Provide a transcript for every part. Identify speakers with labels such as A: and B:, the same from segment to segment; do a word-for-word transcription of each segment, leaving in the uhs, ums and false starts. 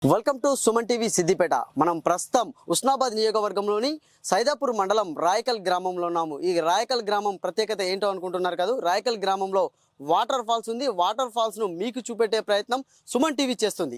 A: Welcome to Suman TV Siddipet. మనం ప్రస్తుతం ఉస్నాబాద్ నియోజకవర్గంలోని సైదాపూర్ మండలం రాయకల్ గ్రామంలో ఉన్నాము. ఈ రాయకల్ గ్రామం ప్రత్యేకత ఏంటో అనుకుంటున్నారు కదా. రాయకల్ గ్రామంలో వాటర్ ఫాల్స్ ఉంది. వాటర్ ఫాల్స్ ను మీకు చూపెట్టే ప్రయత్నం సుమన్ టీవీ చేస్తుంది.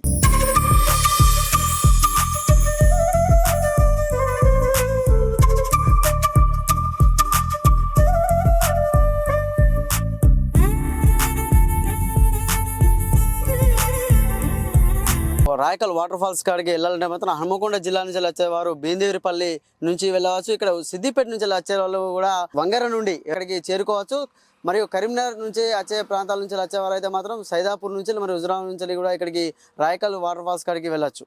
A: రాయకల్ వాటర్ ఫాల్స్ కాడికి వెళ్ళాలంటే మాత్రం హనుమకొండ జిల్లా నుంచి వచ్చేవారు బేందేవిపల్లి నుంచి వెళ్ళవచ్చు. ఇక్కడ సిద్దిపేట నుంచి వచ్చే వాళ్ళు కూడా వంగర నుండి ఇక్కడికి చేరుకోవచ్చు. మరియు కరీంనగర్ నుంచి వచ్చే ప్రాంతాల నుంచి వచ్చేవారు అయితే మాత్రం సైదాపూర్ నుంచి మరియు హుజురాబాద్ నుంచి కూడా ఇక్కడికి రాయకల్ వాటర్ ఫాల్స్ కాడికి వెళ్ళచ్చు.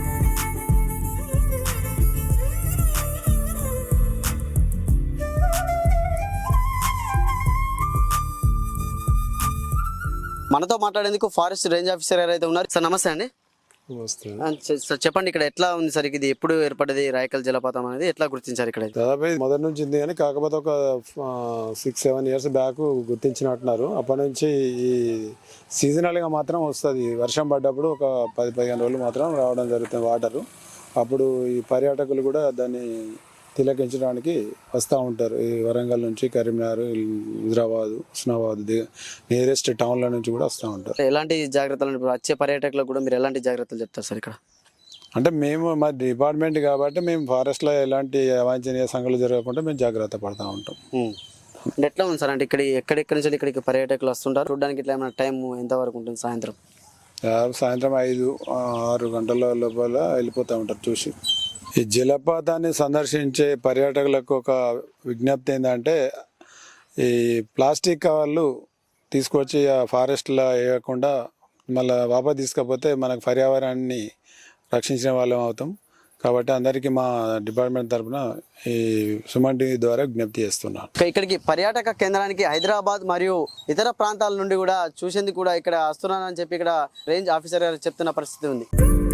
A: మనతో మాట్లాడేందుకు ఫారెస్ట్ రేంజ్ ఆఫీసర్ ఎవరైతే ఉన్నారు. సార్ నమస్తే అండి. సార్ చెప్పండి, ఇక్కడ ఎట్లా ఉంది సార్? ఇది ఎప్పుడు ఏర్పడింది రాయకల్ జలపాతం అనేది, ఎట్లా గుర్తించారు? ఇక్కడ
B: దాదాపు మొదటి నుంచి ఉంది కానీ కాకపోతే ఒక సిక్స్ సెవెన్ ఇయర్స్ బ్యాక్ గుర్తించినట్టున్నారు. అప్పటి నుంచి ఈ సీజనల్గా మాత్రం వస్తుంది. వర్షం పడ్డప్పుడు ఒక పది పదిహేను రోజులు మాత్రం రావడం జరుగుతుంది వాటరు. అప్పుడు ఈ పర్యాటకులు కూడా దాన్ని తిలకించడానికి వస్తూ ఉంటారు. ఈ వరంగల్ నుంచి కరీంనగర్, హుజురాబాద్, ఉస్నాబాద్ నియరెస్ట్ టౌన్ల నుంచి కూడా వస్తూ ఉంటారు.
A: ఎలాంటి జాగ్రత్తలు వచ్చే పర్యాటకులకు కూడా మీరు ఎలాంటి జాగ్రత్తలు చెప్తారు సార్ ఇక్కడ?
B: అంటే మేము మా డిపార్ట్మెంట్ కాబట్టి మేము ఫారెస్ట్లో ఎలాంటి అవాంఛనీయ సంఘటనలు జరగకుండా మేము జాగ్రత్త పడుతూ ఉంటాం.
A: అంటే ఎట్లా ఉంది సార్? అంటే ఇక్కడ ఎక్కడెక్కడి నుంచి ఇక్కడికి పర్యాటకులు వస్తుంటారు చూడడానికి. ఇట్లా ఏమైనా టైం ఎంతవరకు ఉంటుంది? సాయంత్రం
B: సాయంత్రం ఐదు ఆరు గంటల లోపల వెళ్ళిపోతూ ఉంటారు చూసి. ఈ జలపాతాన్ని సందర్శించే పర్యాటకులకు ఒక విజ్ఞప్తి ఏంటంటే, ఈ ప్లాస్టిక్ కవర్లు తీసుకొచ్చి ఆ ఫారెస్ట్లో వేయకుండా మళ్ళీ వాపస్ తీసుకపోతే మనకు పర్యావరణాన్ని రక్షించిన వాళ్ళం అవుతాం. కాబట్టి అందరికీ మా డిపార్ట్మెంట్ తరఫున ఈ సుమన్ టీవీ ద్వారా విజ్ఞప్తి చేస్తున్నాను.
A: ఇక్కడికి పర్యాటక కేంద్రానికి హైదరాబాద్ మరియు ఇతర ప్రాంతాల నుండి కూడా చూసేందుకు కూడా ఇక్కడ వస్తున్నానని చెప్పి ఇక్కడ రేంజ్ ఆఫీసర్ గారు చెప్తున్న పరిస్థితి ఉంది.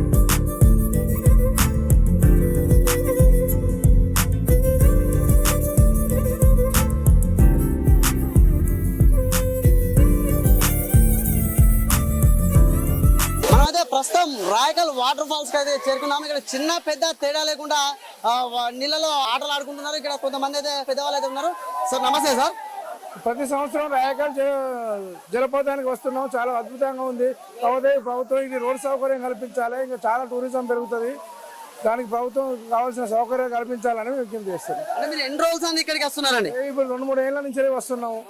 A: ప్రస్తుతం రాయకల్ వాటర్ ఫాల్స్ కి అయితే చేరుకున్నాము. ఇక్కడ చిన్న పెద్ద తేడా లేకుండా నీళ్ళలో ఆటలు ఆడుకుంటున్నారు. ఇక్కడ కొంతమంది అయితే పెద్దవాళ్ళు అయితే ఉన్నారు. సార్ నమస్తే సార్.
C: ప్రతి సంవత్సరం రాయకల్ జలపాతానికి వస్తున్నాం. చాలా అద్భుతంగా ఉంది. కాకపోతే ప్రభుత్వం ఇది రోడ్ సౌకర్యం కల్పించాలి. ఇంకా చాలా టూరిజం పెరుగుతుంది. దానికి ప్రభుత్వం కావాల్సిన సౌకర్యం కల్పించాలని విజ్ఞప్తి చేస్తారు.
A: మీరు ఎన్ని రోజులు అండి ఇక్కడికి వస్తున్నారండి?
C: ఇప్పుడు రెండు మూడు ఏళ్ళ నుంచి వస్తున్నాము.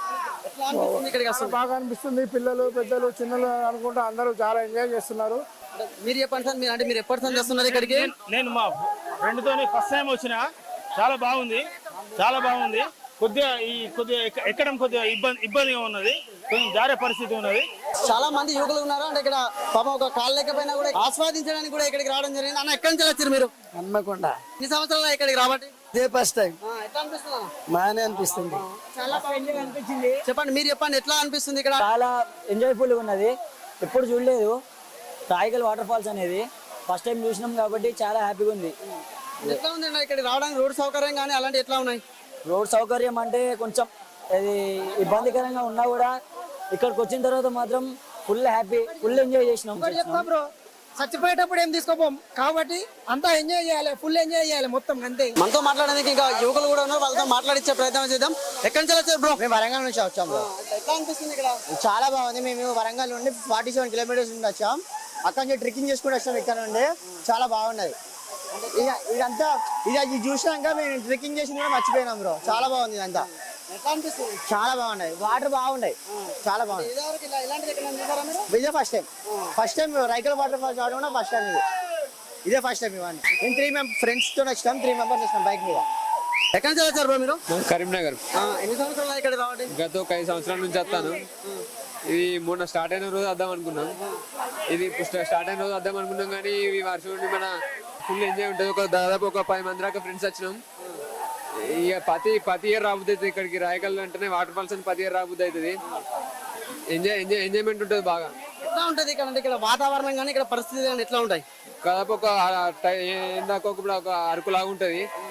C: బాగా అనిపిస్తుంది. పిల్లలు పెద్దలు చిన్నలు అనుకుంటా అందరూ చాలా ఎంజాయ్ చేస్తున్నారు.
A: మీరు చెప్పండి సార్, మీరు అంటే మీరు ఎప్పటి నుంచి వస్తున్నారు ఇక్కడికి?
D: నేను మా ఫ్రెండ్తో ఫస్ట్ టైం వచ్చిన. చాలా బాగుంది, చాలా బాగుంది. కొద్దిగా ఈ కొద్దిగా ఎక్కడం కొద్దిగా ఇబ్బంది ఇబ్బందిగా ఉన్నది, కొంచెం జారే పరిస్థితి ఉన్నది.
A: చాలా మంది యువకులు ఉన్నారు. అంటే ఇక్కడ పాపం ఒక కాళ్ళు లేకపోయినా కూడా ఆస్వాదించడానికి కూడా ఇక్కడికి రావడం జరిగింది. అన్న ఎక్కడి నుంచి వచ్చారు మీరు?
E: హన్మకొండ.
A: ఎన్ని సంవత్సరాలు ఇక్కడికి రాబట్టి?
E: ఇదే ఫస్ట్ టైం.
A: ఎట్లా అనిపిస్తుంది?
E: బాగానే అనిపిస్తుంది.
A: చాలా అనిపించింది. చెప్పండి, మీరు చెప్పండి ఎట్లా అనిపిస్తుంది ఇక్కడ?
E: చాలా ఎంజాయ్ఫుల్ గా ఉన్నది. ఎప్పుడు చూడలేదు రాయకల్ వాటర్ ఫాల్స్ అనేది, ఫస్ట్ టైం చూసినాం కాబట్టి చాలా హ్యాపీగా ఉంది.
A: ఎట్లా ఉంది ఇక్కడికి రావడానికి? రోడ్ సౌకర్యం కానీ అలాంటి ఎట్లా ఉన్నాయి?
E: రోడ్ సౌకర్యం అంటే కొంచెం అది ఇబ్బందికరంగా ఉన్నా కూడా ఇక్కడికి వచ్చిన తర్వాత మాత్రం ఫుల్ హ్యాపీ, ఫుల్ ఎంజాయ్ చేసినాం.
F: చచ్చిపోయేటప్పుడు ఏం తీసుకోపోం కాబట్టి అంతా ఎంజాయ్ చేయాలి, ఫుల్ ఎంజాయ్ చేయాలి మొత్తం అంతే.
A: మనతో మాట్లాడడానికి ఇంకా యువకులు కూడా ఉన్నారు. వాళ్ళతో మాట్లాడించే ప్రయత్నం చేద్దాం. ఎక్కడి నుంచి వచ్చారు బ్రో?
F: మేము వరంగల్ నుంచి వచ్చాం బ్రో.
A: ఎట్లా అనిపిస్తుంది ఇక్కడ?
F: చాలా బాగుంది. మేము వరంగల్ నుండి ఫార్టీ సెవెన్ కిలోమీటర్స్ నుండి వచ్చాం. అక్కడ నుంచి ట్రెక్కింగ్ చేసుకుంటూ వచ్చాం. ఇక్కడ నుండి చాలా బాగున్నది. ఇక ఇదంతా ఇది చూసినాక మేము ట్రెక్కింగ్ చేసింది కూడా మర్చిపోయినాం బ్రో. చాలా బాగుంది ఇదంతా.
A: ఎట్లా అనిపిస్తుంది?
F: చాలా బాగున్నాయి. వాటర్ బాగున్నాయి, చాలా బాగుంది. ఇదే first time first time Raikal water falls రావడం కూడా ఫస్ట్ టైం. ఇది ఇదే ఫస్ట్ టైం ఇవన్నీ. మేము త్రీ మెంబర్ ఫ్రెండ్స్ తో వచ్చినాం. త్రీ మెంబర్స్ వచ్చినాం బైక్ మీద.
A: ఎక్కడి నుంచి వచ్చారు బ్రో మీరు?
G: కరీంనగర్.
A: ఎన్ని సంవత్సరాలు ఇక్కడ రావడం?
G: గత ఒక ఐదు సంవత్సరాల నుంచి వస్తాను. ఇది మొన్న స్టార్ట్ అయిన రోజు వద్దాం అనుకున్నాం. ఇది స్టార్ట్ అయిన రోజు వద్దాం అనుకున్నాం కానీ ఇవి వర్షం ఉండి మన ఫుల్ ఎంజాయ్ ఉంటుంది. ఒక దాదాపు ఒక పది మంది దాకా ఫ్రెండ్స్ వచ్చినాం. ఇక ప్రతి ప్రతి ఇయర్ రాబుద్ది అవుతుంది ఇక్కడికి. రాయకల్ అంటేనే వాటర్ ఫాల్స్ అని ప్రతి ఇయర్ రాబుద్ది అవుతుంది. ఎంజాయ్ ఎంజాయ్ ఎంజాయ్మెంట్ ఉంటుంది బాగా.
A: ఎట్లా ఉంటుంది ఇక్కడ? అంటే ఇక్కడ వాతావరణం కానీ ఇక్కడ పరిస్థితి కానీ ఎట్లా ఉంటాయి?
G: దాదాపు ఒక ఇందాక ఒక అరకులాగా ఉంటుంది.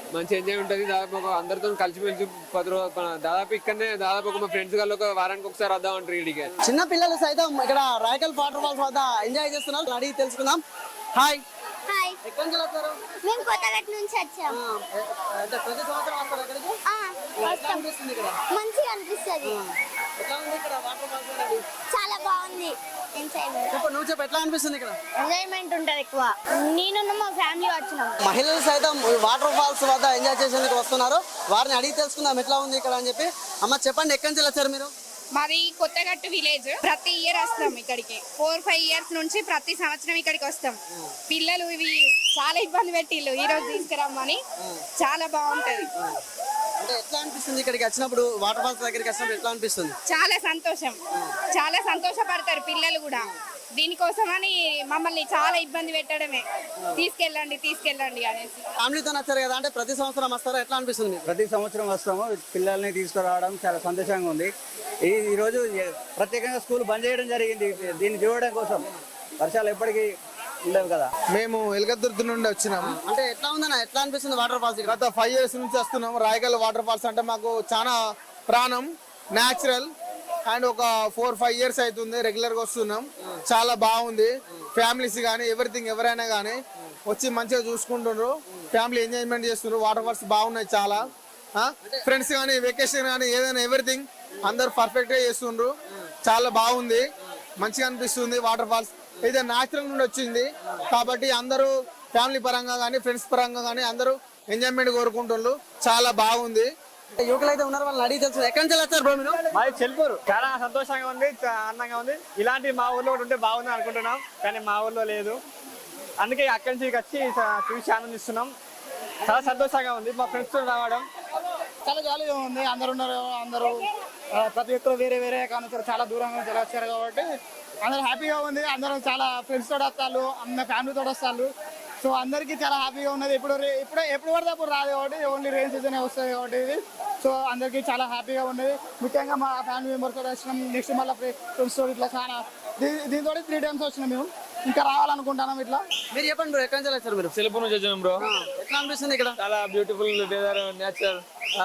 G: మంచి ఎంజాయ్ ఉంటుంది. దాదాపు ఒక అందరితో కలిసిమెలిసి పది రోజులు దాదాపు ఇక్కడనే దాదాపు ఒక మా ఫ్రెండ్స్ వాళ్ళు ఒక వారానికి ఒకసారి వద్దాం అంటారు ఇడికి.
A: చిన్న పిల్లలు సైతం ఇక్కడ రాయకల్ వాటర్ ఫాల్స్ వద్ద ఎంజాయ్ చేస్తున్నారు. అడిగి తెలుసుకుందాం. హాయ్,
H: హాయ్,
A: ఎక్కడి నుంచి వస్తారు?
H: మేము కొత్తగట్ నుంచి వచ్చాము.
A: అంటే ప్రతి సంవత్సరం వస్తారు ఇక్కడికి?
H: ఆ,
A: ఎట్లా
H: వస్తాం.
A: అనిపిస్తుంది ఇక్కడ?
H: మంచిగా అనిపిస్తుంది.
A: ఎట్లా ఉంది ఇక్కడ వాటర్ ఫాల్స్ అనేది?
H: చాలా బాగుంది. ఎంజాయ్మెంట్
A: చెప్పు, నువ్వు చెప్పు, ఎట్లా అనిపిస్తుంది ఇక్కడ?
H: ఎంజాయ్మెంట్ ఉంటుంది ఎక్కువ. నేను మా ఫ్యామిలీ వచ్చినాం.
A: మహిళలు సైతం వాటర్ ఫాల్స్ వద్ద ఎంజాయ్ చేసేందుకు వస్తున్నారు. వారిని అడిగి తెలుసుకుందాం ఎట్లా ఉంది ఇక్కడ అని చెప్పి. అమ్మ చెప్పండి, ఎక్కడి నుంచి వచ్చారు మీరు?
I: మాది కొత్తగట్టు విలేజ్. ప్రతి ఇయర్ వస్తాం ఇక్కడికి. ఫోర్ ఫైవ్ ఇయర్స్ నుంచి ప్రతి సంవత్సరం ఇక్కడికి వస్తాం. పిల్లలు ఇవి చాలా ఇబ్బంది పెట్టిళ్ళు ఈ రోజు తీసుకురమ్మని. చాలా బాగుంటది.
A: అంటే ఎట్లా అనిపిస్తుంది ఇక్కడికి వచ్చినప్పుడు, వాటర్ ఫాల్స్ దగ్గరికి వచ్చినప్పుడు ఎట్లా అనిపిస్తుంది?
I: చాలా సంతోషం. చాలా సంతోషపడతారు పిల్లలు కూడా. దీనికోసమని మమ్మల్ని చాలా ఇబ్బంది పెట్టడమే, తీసుకెళ్ళండి తీసుకెళ్ళండి అనేసి.
A: ఫ్యామిలీతో వచ్చారు కదా, అంటే ప్రతి సంవత్సరం వస్తారా? ఎట్లా అనిపిస్తుంది మీకు?
J: ప్రతి సంవత్సరం వస్తాము. పిల్లల్ని తీసుకురావడం చాలా సంతోషంగా ఉంది. ఈ ఈరోజు ప్రత్యేకంగా స్కూల్ బంద్ చేయడం జరిగింది దీన్ని చూడడం కోసం. వర్షాలు ఎప్పటికీ ఉండవు కదా.
C: మేము ఎలగదుర్తి నుండి వచ్చినాము.
A: అంటే ఎట్లా ఉందన్న, ఎట్లా అనిపిస్తుంది వాటర్ ఫాల్స్?
C: గత ఫైవ్ ఇయర్స్ నుంచి వస్తున్నాం. రాయగల్ వాటర్ ఫాల్స్ అంటే మాకు చాలా ప్రాణం, న్యాచురల్. అండ్ ఒక ఫోర్ ఫైవ్ ఇయర్స్ అవుతుంది రెగ్యులర్గా వస్తున్నాం. చాలా బాగుంది. ఫ్యామిలీస్ కానీ ఎవ్రీథింగ్ ఎవరైనా కానీ వచ్చి మంచిగా చూసుకుంటున్నారు. ఫ్యామిలీ ఎంజాయ్మెంట్ చేస్తున్నారు. వాటర్ ఫాల్స్ బాగున్నాయి చాలా. ఫ్రెండ్స్ కానీ వెకేషన్ కానీ ఏదైనా ఎవ్రీథింగ్ అందరు పర్ఫెక్ట్గా చేస్తుండ్రు. చాలా బాగుంది, మంచిగా అనిపిస్తుంది. వాటర్ ఫాల్స్ ఇది న్యాచురల్ నుండి వచ్చింది కాబట్టి అందరూ ఫ్యామిలీ పరంగా కానీ ఫ్రెండ్స్ పరంగా కానీ అందరూ ఎంజాయ్మెంట్ కోరుకుంటున్నారు. చాలా బాగుంది.
A: యువకులు అయితే ఉన్నారు, వాళ్ళని అడిగి తెలుసు. ఎక్కడి నుంచి వచ్చారు బ్రో మీరు?
K: మాది చెల్పూరు. చాలా సంతోషంగా ఉంది, ఆనందంగా ఉంది. ఇలాంటి మా ఊర్లో కూడా ఉంటే బాగుంది అనుకుంటున్నాం, కానీ మా ఊర్లో లేదు. అందుకే అక్కడి నుంచి వచ్చి చూసి ఆనందిస్తున్నాం. చాలా సంతోషంగా ఉంది మా ఫ్రెండ్స్ తో రావడం.
F: చాలా జాలీగా ఉంది. అందరు ఉన్నారు. అందరూ ప్రతి ఒక్కరు వేరే వేరే కానీ చాలా దూరంగా నుంచి వచ్చారు కాబట్టి అందరూ హ్యాపీగా ఉంది. అందరూ చాలా ఫ్రెండ్స్ తోటి వస్తారు, అన్న ఫ్యామిలీతో వస్తారు. సో అందరికీ చాలా హ్యాపీగా ఉన్నది. ఇప్పుడు ఇప్పుడు ఎప్పుడు పడితే అప్పుడు రాదు కాబట్టి ఓన్లీ రెయిన్ సీజన్ వస్తుంది కాబట్టి ఇది. సో అందరికీ చాలా హ్యాపీగా ఉన్నది. ముఖ్యంగా మా ఫ్యామిలీ మెంబర్స్ తోటి వచ్చినాం. నెక్స్ట్ మళ్ళీ ఫ్రెండ్స్ తోటి ఇట్లా చాలా దీంతో త్రీ టైమ్స్ వచ్చినాం. మేము ఇంకా రావాలనుకుంటున్నాం. ఇట్లా
A: మీరు చెప్పండి బ్రో, ఎక్కడి నుంచి వచ్చారు మీరు?
K: చెల్పూరు నుంచి వచ్చాం బ్రో.
A: ఎట్లా అనిపిస్తుంది ఇక్కడ?
K: చాలా బ్యూటిఫుల్ వెదర్, నేచర్.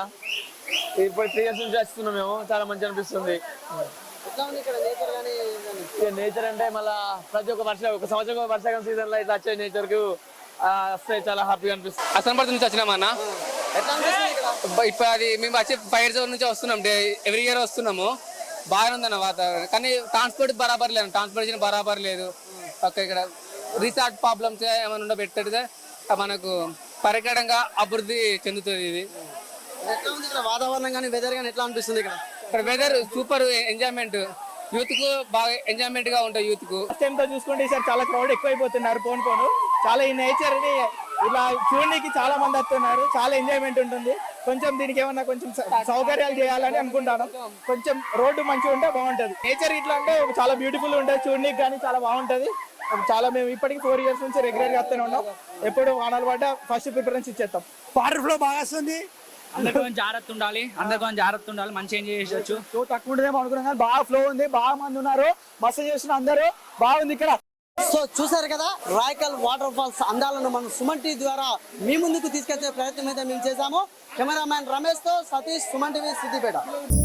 K: ఇప్పుడు త్రీ ఇయర్స్ నుంచి వస్తున్నాం మేము. చాలా మంచి అనిపిస్తుంది.
A: ఎట్లా ఉంది ఇక్కడ నేచర్ కానీ?
K: నేచర్ అంటే మళ్ళీ ప్రతి ఒక్క వర్ష ఒక సంవత్సరం వర్షాకాలం సీజన్ లో ఇట్లా వచ్చే నేచర్ కు వస్తే చాలా హ్యాపీగా అనిపిస్తుంది.
G: అసంపర్తి నుంచి వచ్చినామన్నా.
A: ఎట్లా అనిపిస్తుంది ఇక్కడ?
G: ఇప్పుడు అది మేము వచ్చి ఫైవ్ ఇయర్స్ నుంచి వస్తున్నాం. డే ఎవ్రీ ఇయర్ వస్తున్నాము. బాగానే ఉందన్న వాతావరణం. కానీ ట్రాన్స్పోర్ట్ బరాబర్ లేదు, ట్రాన్స్పోర్టేషన్ బరాబర్ లేదు. ఓకే, ఇక్కడ రీసార్ట్ ప్రాబ్లమ్స్ ఏమైనా ఉండ పెట్టడితే మనకు పరికరంగా అభివృద్ధి చెందుతుంది ఇది.
A: ఎట్లా ఉంది ఇక్కడ వాతావరణం కానీ, వెదర్ కానీ ఎట్లా అనిపిస్తుంది ఇక్కడ?
G: ఇక్కడ వెదర్ సూపర్ ఎంజాయ్మెంట్. యూత్ కు బాగా ఎంజాయ్మెంట్ గా ఉంటుంది. యూత్ కు
K: టైం తో చూసుకుంటే ఈసారి చాలా క్రౌడ్ ఎక్కువైపోతున్నారు. పోను పోను చాలా ఈ నేచర్ ని ఇలా చూడడానికి చాలా మంది వస్తున్నారు. చాలా ఎంజాయ్మెంట్ ఉంటుంది. కొంచెం దీనికి ఏమన్నా కొంచెం సౌకర్యాలు చేయాలని అనుకుంటాను. కొంచెం రోడ్డు మంచిగా ఉంటే బాగుంటది. నేచర్ ఇట్లా అంటే చాలా బ్యూటిఫుల్ ఉంటుంది. చూడడానికి కానీ చాలా బాగుంటది. చాలా మేము ఇప్పటికి ఫోర్ ఇయర్స్ నుంచి రెగ్యులర్ గా వస్తూనే ఉన్నాం. ఎప్పుడు వానాలు పడ్డ ఫస్ట్ ప్రిఫరెన్స్ ఇచ్చేస్తాం.
J: వాటర్ ఫ్లో బాగా వస్తుంది.
E: అందరికీ కొంచెం జాగ్రత్త ఉండాలి. అందరికీ కొంచెం జాగ్రత్త ఉండాలి. మంచిగా ఎంజాయ్ చేసేవచ్చు.
C: సో తక్కువ ఉంటుందేమో అనుకున్నాం కానీ బాగా ఫ్లో ఉంది. బాగా మంది ఉన్నారు. మస్తు చేస్తున్న అందరూ బాగుంది ఇక్కడ.
A: సో చూసారు కదా, రాయకల్ వాటర్ ఫాల్స్ అందాలను మనం సుమన్ టీవీ ద్వారా మీ ముందుకు తీసుకొచ్చే ప్రయత్నం అయితే మేము చేశాము. కెమెరామ్యాన్ రమేష్ తో సతీష్, సుమన్ టీవీ, సిద్దిపేట.